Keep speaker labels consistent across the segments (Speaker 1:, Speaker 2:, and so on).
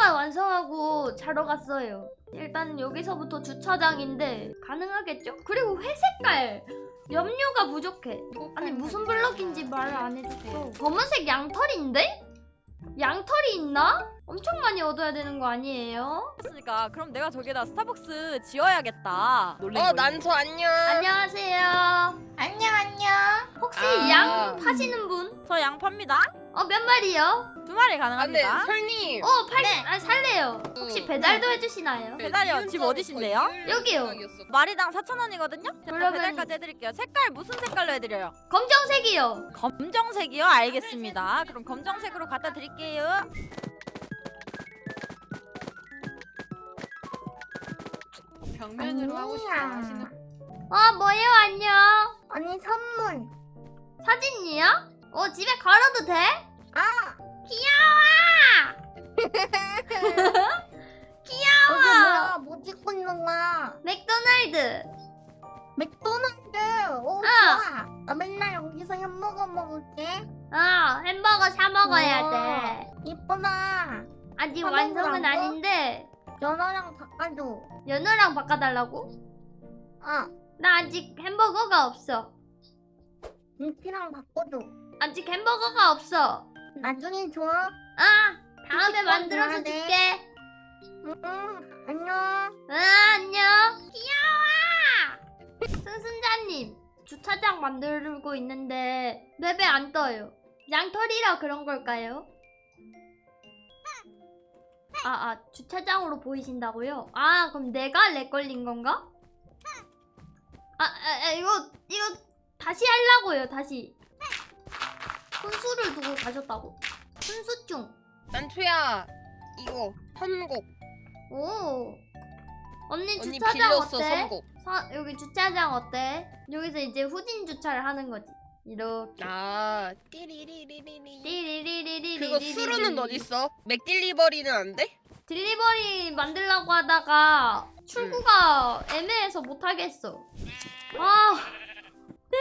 Speaker 1: 하나만 완성하고 자러 갔어요. 일단 여기서부터 주차장인데 가능하겠죠? 그리고 회색깔 염료가 부족해. 아니 무슨 블럭인지 말을 안 해줬어. 검은색 양털인데? 양털이 있나? 엄청 많이 얻어야 되는 거 아니에요?
Speaker 2: 그러니까 그럼 내가 저기다 스타벅스 지어야겠다.
Speaker 3: 난저 안녕.
Speaker 1: 안녕하세요.
Speaker 4: 안녕.
Speaker 1: 혹시
Speaker 3: 아.
Speaker 1: 양 파시는 분?
Speaker 2: 저 양 팝니다.
Speaker 1: 몇 마리요?
Speaker 2: 2마리
Speaker 3: 안돼
Speaker 2: 가능합니다.
Speaker 3: 설님.
Speaker 1: 아니 살래요. 혹시 배달도 해주시나요?
Speaker 2: 배달이요? 집 어디신데요?
Speaker 1: 여기요.
Speaker 2: 마리당 4,000원이거든요. 제가
Speaker 1: 그러면-
Speaker 2: 배달까지 해드릴게요. 색깔 무슨 색깔로 해드려요?
Speaker 1: 검정색이요.
Speaker 2: 검정색이요? 알겠습니다. 그럼 검정색으로 갖다 드릴게요.
Speaker 3: 벽면으로 하고 싶어 하시는.
Speaker 1: 뭐예요? 안녕.
Speaker 4: 언니 선물.
Speaker 1: 사진이요? 집에 걸어도 돼? 귀여워.
Speaker 4: 여기 뭐야? 뭐 찍고 있는 거야?
Speaker 1: 맥도날드.
Speaker 4: 맥도날드. 오
Speaker 1: 아.
Speaker 4: 좋아. 나 맨날 여기서 햄버거 먹을게.
Speaker 1: 햄버거 사 먹어야
Speaker 4: 우와.
Speaker 1: 돼.
Speaker 4: 이쁘다.
Speaker 1: 아직
Speaker 4: 사
Speaker 1: 완성은
Speaker 4: 먹으라고?
Speaker 1: 아닌데
Speaker 4: 연어랑 바꿔줘.
Speaker 1: 연어랑 바꿔달라고? 나 아직 햄버거가 없어.
Speaker 4: 김치랑 바꿔줘.
Speaker 1: 아직 햄버거가 없어.
Speaker 4: 나중에 줘.
Speaker 1: 다음에
Speaker 4: 김치
Speaker 1: 만들어서
Speaker 4: 꺼내야 돼.
Speaker 1: 줄게.
Speaker 4: 안녕.
Speaker 1: 안녕. 귀여워. 승승자님, 주차장 만들고 있는데 맵에 안 떠요. 양털이라 그런 걸까요? 주차장으로 보이신다고요? 그럼 내가 렉 걸린 건가? 이거 다시 하려고요, 다시. 훈수를 두고 가셨다고? 훈수증.
Speaker 3: 난초야 이거 선곡.
Speaker 1: 오. 언니
Speaker 3: 언니
Speaker 1: 주차장
Speaker 3: 빌렸어
Speaker 1: 어때?
Speaker 3: 선곡.
Speaker 1: 여기 주차장 어때? 여기서 이제 후진 주차를 하는 거지. 이렇게.
Speaker 3: 띠리리리리리.
Speaker 1: 띠리리리리리.
Speaker 3: 그거 수루는 어딨어? 맥딜리버리는 안 돼?
Speaker 1: 딜리버리 만들려고 하다가 출구가 애매해서 못 하겠어. 내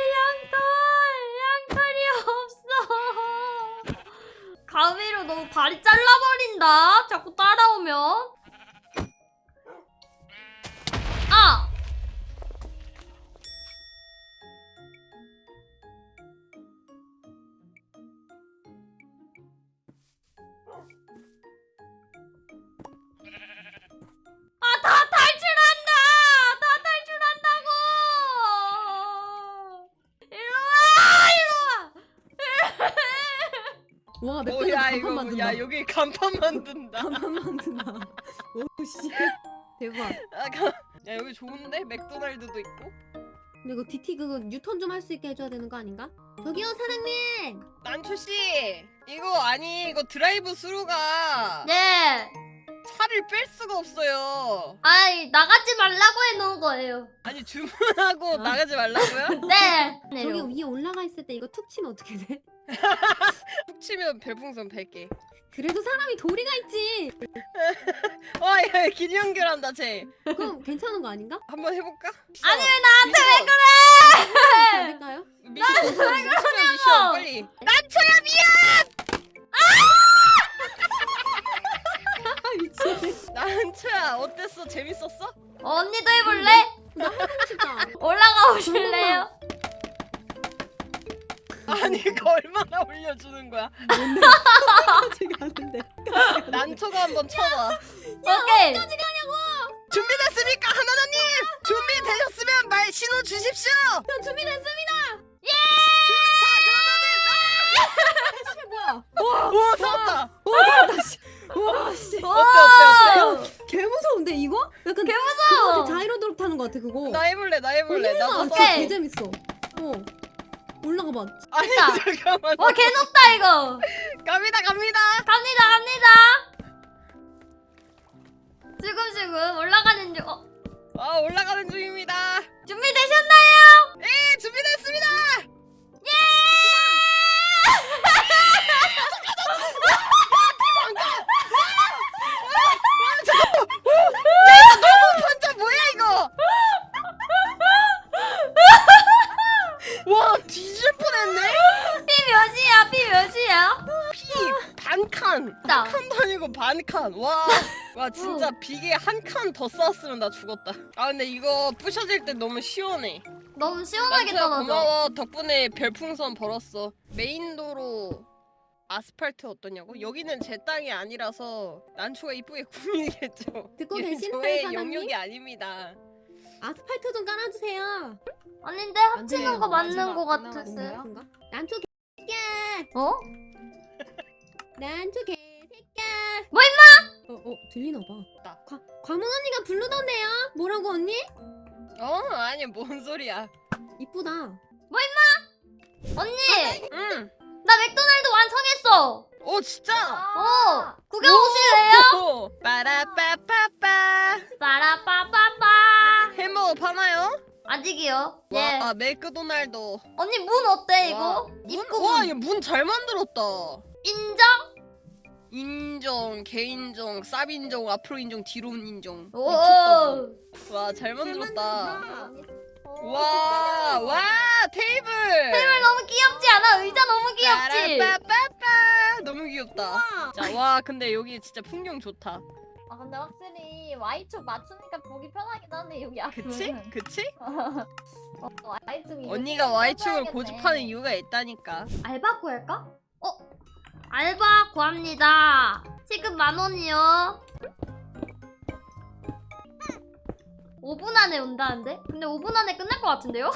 Speaker 1: 양털이 없어. 가위로 너무 발이 잘라버린다. 자꾸 따라오면. 다 탈출한다! 다 탈출한다고! 일로와!
Speaker 5: 와 맥도날드 간판 만든다.
Speaker 3: 야 여기 간판 만든다.
Speaker 5: 간판 만든다. 오씨 대박.
Speaker 3: 야 여기 좋은데? 맥도날드도 있고.
Speaker 5: 근데 이거 DT 그거 유턴 좀 할 수 있게 해줘야 되는 거 아닌가? 저기요 사장님.
Speaker 3: 난초씨 이거 드라이브 스루가
Speaker 1: 네!
Speaker 3: 차를 뺄 수가 없어요.
Speaker 1: 나가지 말라고 해놓은 거예요.
Speaker 3: 아니 주문하고 나가지 말라고요?
Speaker 1: 네!
Speaker 5: 저기 위에 올라가 있을 때 이거 툭 치면 어떻게 돼?
Speaker 3: 툭 치면 별풍선 100개.
Speaker 5: 그래도 사람이 도리가 있지.
Speaker 3: 와야 길 연결한다 쟤.
Speaker 5: 그럼 괜찮은 거 아닌가?
Speaker 3: 한번 해볼까?
Speaker 1: 아니 왜 나한테 왜 그래!
Speaker 5: 안 될까요?
Speaker 3: 미션 빨리. 난초야
Speaker 5: 미친.
Speaker 3: 난초야 어땠어? 재밌었어?
Speaker 1: 언니도 해볼래?
Speaker 5: 나 해보고 싶다.
Speaker 1: 올라가 오실래요?
Speaker 3: 아니 이거 얼마나 올려주는 거야?
Speaker 5: 지금 하는데.
Speaker 3: 난초가 한번 쳐봐.
Speaker 1: 오케이!
Speaker 3: 준비됐습니까 하나나님? 준비되셨으면 말 신호 주십시오.
Speaker 5: 저 준비됐습니다. 뭐야?
Speaker 3: 오 섰다.
Speaker 5: 와 씨.
Speaker 3: 어때?
Speaker 5: 개 무서운데 이거? 약간
Speaker 1: 개 무서워!
Speaker 5: 그거 자이로드롭 타는 거 같아 그거.
Speaker 3: 나 해볼래. 나도
Speaker 5: 진짜
Speaker 1: 오케이.
Speaker 5: 개 재밌어. 올라가 봐.
Speaker 3: 아니
Speaker 1: 됐다.
Speaker 3: 잠깐만.
Speaker 1: 개 높다 이거!
Speaker 3: 갑니다.
Speaker 1: 갑니다! 슬금슬금 올라가는 중.
Speaker 3: 올라가는 중입니다.
Speaker 1: 준비되셨나요?
Speaker 3: 네 준비됐습니다. 혼자 뭐야 이거? 와 뒤질 뻔했네.
Speaker 1: 피 몇이야?
Speaker 3: 피 반 한 칸.
Speaker 1: 진짜.
Speaker 3: 한 칸도 아니고 반 칸. 와 진짜 비계 한 칸 더 쌓았으면 나 죽었다. 아 근데 이거 부셔질 때 너무 시원해.
Speaker 1: 너무 시원하게
Speaker 3: 난투야
Speaker 1: 떨어져.
Speaker 3: 고마워. 덕분에 별풍선 벌었어. 메인 도로 아스팔트 어떠냐고? 여기는 제 땅이 아니라서 난초가 이쁘게 꾸미겠죠.
Speaker 5: 듣고
Speaker 3: 이게
Speaker 5: 계시나요,
Speaker 3: 저의
Speaker 5: 사장님?
Speaker 3: 영역이 아닙니다.
Speaker 5: 아스팔트 좀 깔아주세요.
Speaker 1: 아닌데 합치는
Speaker 2: 돼요.
Speaker 1: 거 맞는
Speaker 2: 마지막
Speaker 1: 거
Speaker 2: 안
Speaker 1: 같았어요.
Speaker 2: 나왔어요?
Speaker 5: 그런가? 난초 개새끼야.
Speaker 1: 어?
Speaker 5: 난초 개새끼야.
Speaker 1: 뭐
Speaker 5: 들리나 봐. 과문 언니가 부르던데요? 뭐라고 언니?
Speaker 3: 아니 뭔 소리야.
Speaker 5: 이쁘다.
Speaker 1: 언니
Speaker 3: 응.
Speaker 1: 나 맥도날드 완성했어.
Speaker 3: 진짜.
Speaker 1: 구경 오실래요?
Speaker 3: 빠라빠빠빠.
Speaker 1: 빠라빠빠빠.
Speaker 3: 햄버거 파나요?
Speaker 1: 아직이요. 예.
Speaker 3: 와 맥도날드.
Speaker 1: 언니 문 어때 이거? 입구 문.
Speaker 3: 와, 얘 문 잘 만들었다.
Speaker 1: 인정?
Speaker 3: 인정, 개인정, 쌉인정, 앞으로 인정, 뒤로 인정.
Speaker 1: 오.
Speaker 3: 와, 잘 만들었다.
Speaker 1: 어,
Speaker 3: 와, 테이블.
Speaker 1: 테이블 너무 귀엽지 않아? 의자 너무 귀엽지?
Speaker 3: 빠라빠빠빠. 너무 귀엽다. 자, 와, 근데 여기 진짜 풍경 좋다.
Speaker 6: 아 근데 확실히 Y축 맞추니까 보기 편하긴 하네 여기 앞은.
Speaker 3: 그치? 그치?
Speaker 6: Y축이
Speaker 3: 언니가 Y축을 고집하는 이유가 있다니까.
Speaker 1: 알바 구할까? 알바 구합니다. 지금 10,000원이요. 5분 안에 온다는데? 근데 5분 안에 끝날 것 같은데요?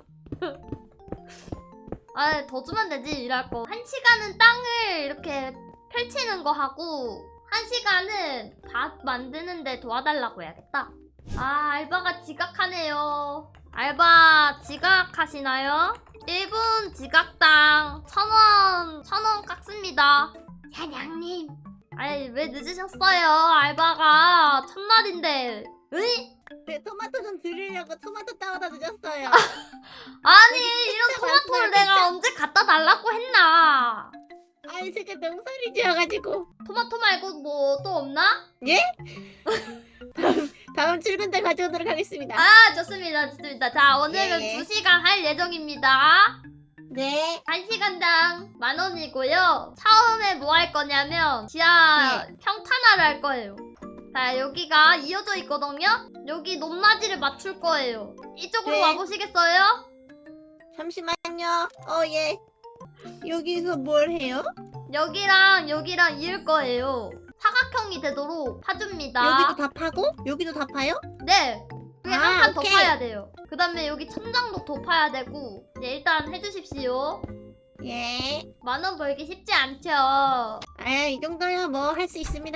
Speaker 1: 아, 더 주면 되지, 일할 거. 1시간은 땅을 이렇게 펼치는 거 하고 1시간은 밥 만드는데 도와달라고 해야겠다. 아, 알바가 지각하네요. 알바 지각하시나요? 1분 지각당 1,000원, 1,000원 깎습니다. 사장님. 아이, 왜 늦으셨어요? 알바가 첫날인데. 으이?
Speaker 4: 네, 토마토 좀 드리려고 토마토 따오다 늦었어요.
Speaker 1: 아니, 이런
Speaker 4: 진짜
Speaker 1: 토마토를
Speaker 4: 많구나,
Speaker 1: 내가 언제 갖다 달라고 했나?
Speaker 4: 아니 제가 농사를 지어가지고
Speaker 1: 토마토 말고 뭐 또 없나?
Speaker 4: 다음 출근 때 가져오도록 하겠습니다.
Speaker 1: 아, 좋습니다, 좋습니다. 자, 오늘은
Speaker 4: 예.
Speaker 1: 2시간 할 예정입니다.
Speaker 4: 네.
Speaker 1: 1시간당 10,000원이고요. 처음에 뭐 할 거냐면 지하 평탄화를 할 거예요. 자, 여기가 이어져 있거든요? 여기 높낮이를 맞출 거예요. 이쪽으로
Speaker 4: 네.
Speaker 1: 와보시겠어요?
Speaker 4: 잠시만요. 예. 여기서 뭘 해요?
Speaker 1: 여기랑 여기랑 이을 거예요. 사각형이 되도록 파줍니다.
Speaker 4: 여기도 다 파고? 여기도 다 파요?
Speaker 1: 네. 그게
Speaker 4: 아,
Speaker 1: 한 칸 더
Speaker 4: 오케이.
Speaker 1: 파야 돼요. 그 다음에 여기 천장도 더 파야 되고. 네, 일단 해주십시오.
Speaker 4: 예.
Speaker 1: 10,000원 벌기 쉽지 않죠?
Speaker 4: 이 정도야 뭐 할 수 있습니다.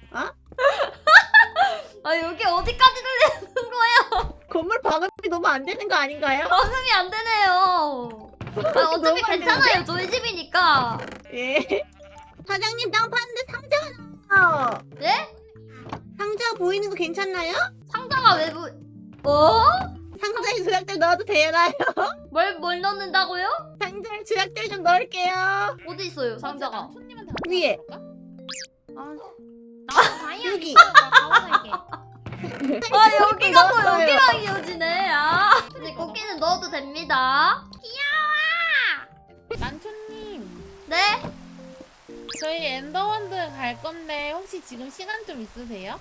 Speaker 1: 아, 여기 어디까지 들리는 거예요?
Speaker 4: 건물 방음이 너무 안 되는 거 아닌가요?
Speaker 1: 방음이 안 되네요. 아, 어차피
Speaker 4: 너무 안
Speaker 1: 괜찮아요. 저희 집이니까.
Speaker 4: 예. 사장님 땅 파는데 상자가 나와요.
Speaker 1: 예?
Speaker 4: 상자 보이는 거 괜찮나요?
Speaker 1: 상자가 왜 어?
Speaker 4: 상자에 조약들 넣어도 되나요?
Speaker 1: 뭘 넣는다고요?
Speaker 4: 상자에 조약들 좀 넣을게요.
Speaker 1: 어디 있어요, 상자가?
Speaker 6: 남촌님한테
Speaker 4: 위에. 여기.
Speaker 1: 아, 여기가 또
Speaker 4: 넣었어요.
Speaker 1: 여기랑 이어지네. 아. 이제 고기는 넣어도 됩니다.
Speaker 6: 남촌님
Speaker 1: 네?
Speaker 6: 저희 엔더원드 갈 건데 혹시 지금 시간 좀 있으세요?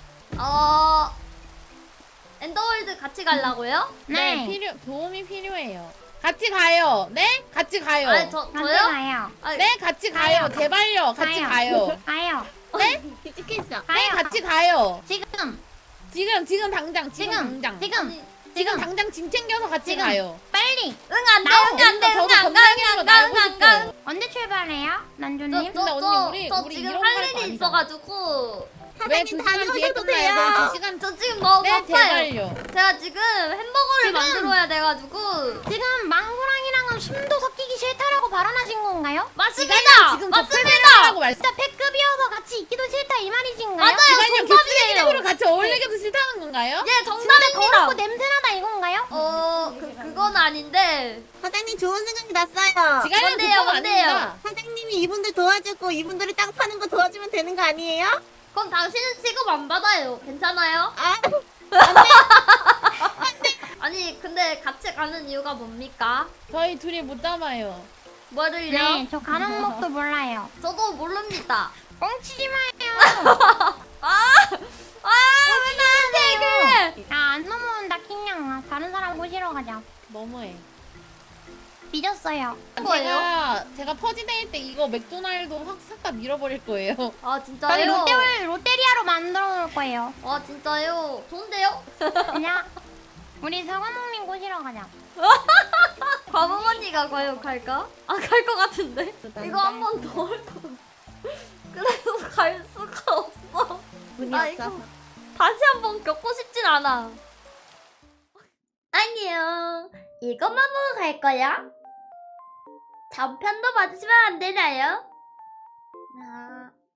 Speaker 1: 엔더월드 같이 가려고요?
Speaker 6: 도움이 필요해요. 같이 가요. 네? 같이 가요.
Speaker 1: 아니, 저요?
Speaker 4: 가요.
Speaker 6: 네, 같이 가요. 제발요. 같이 가요.
Speaker 4: 가요.
Speaker 6: 네?
Speaker 4: 뒤집겠어.
Speaker 6: 네, 같이 가요.
Speaker 4: 지금.
Speaker 6: 지금 당장. 지금 당장 짐 챙겨서 같이 가요.
Speaker 4: 빨리.
Speaker 1: 응, 안 돼, 응, 안 돼, 응,
Speaker 6: 저도
Speaker 1: 안 가, 응, 안 가, 응, 안 가.
Speaker 4: 언제 출발해요? 난조님?
Speaker 6: 근데 언니,
Speaker 1: 저
Speaker 6: 우리
Speaker 1: 지금
Speaker 6: 이런
Speaker 1: 할
Speaker 6: 거할 거
Speaker 1: 일이
Speaker 6: 아니잖아.
Speaker 1: 있어가지고.
Speaker 6: 왜
Speaker 4: 사장님
Speaker 6: 2시간 뒤에
Speaker 4: 다녀오셔도
Speaker 6: 끝나요?
Speaker 4: 돼요.
Speaker 6: 그럼 2시간
Speaker 1: 저 지금 너무
Speaker 6: 네,
Speaker 1: 바빠요.
Speaker 6: 제발요.
Speaker 1: 제가 지금 햄버거를 만들어야 돼가지고.
Speaker 4: 지금 망고랑이랑은 숨도 섞이기 싫다라고 발언하신 건가요?
Speaker 1: 맞습니다!
Speaker 6: 지금
Speaker 1: 맞습니다!
Speaker 6: 하고 말씀.
Speaker 4: 진짜 패급이어서 같이 있기도 싫다 이 말이신가요?
Speaker 1: 맞아요,
Speaker 6: 지금
Speaker 1: 정답이에요.
Speaker 6: 개쓰레기로 같이 어울리기도 싫다는 건가요?
Speaker 1: 예,
Speaker 4: 진짜
Speaker 1: 정답입니다.
Speaker 4: 더럽고 냄새나다 이건가요?
Speaker 1: 그건 아닌데.
Speaker 4: 사장님 좋은 생각이 났어요.
Speaker 6: 지갈량
Speaker 1: 뭔데요,
Speaker 6: 국가가
Speaker 1: 뭔데요?
Speaker 6: 아닙니다.
Speaker 4: 사장님이 이분들 도와주고 이분들이 땅 파는 거 도와주면 되는 거 아니에요?
Speaker 1: 그럼 당신은 취급 안 받아요. 괜찮아요?
Speaker 4: 아,
Speaker 1: 아니, 근데 같이 가는 이유가 뭡니까?
Speaker 6: 저희 둘이 못 담아요.
Speaker 1: 뭐를요?
Speaker 4: 네, 저 가는 법도 몰라요.
Speaker 1: 저도 모릅니다.
Speaker 7: 뻥치지 마요.
Speaker 1: 왜 나한테 그래?
Speaker 7: 야안 넘어온다 킹냥아. 다른 사람 모시러 가자.
Speaker 6: 너무해.
Speaker 7: 삐졌어요.
Speaker 1: 뭐예요?
Speaker 6: 제가 퍼지데이 때 이거 맥도날드 확 싹 다 밀어버릴 거예요.
Speaker 1: 아
Speaker 7: 저희
Speaker 1: 진짜요?
Speaker 7: 롯데리아로 만들어 놓을 거예요.
Speaker 1: 아 진짜요? 좋은데요?
Speaker 7: 그냥 우리 사과목님 모시러 가자.
Speaker 1: 과부모니가 과연 갈까? 아 갈 것 같은데? 이거 한 번 더 할 거. 그래서 갈 수가 없어.
Speaker 5: 문이
Speaker 1: 아,
Speaker 5: 없어서.
Speaker 1: 다시 한 번 겪고 싶진 않아. 안녕. 이것만 보고 갈 거야? 전편도 봐주시면 안 되나요? 아.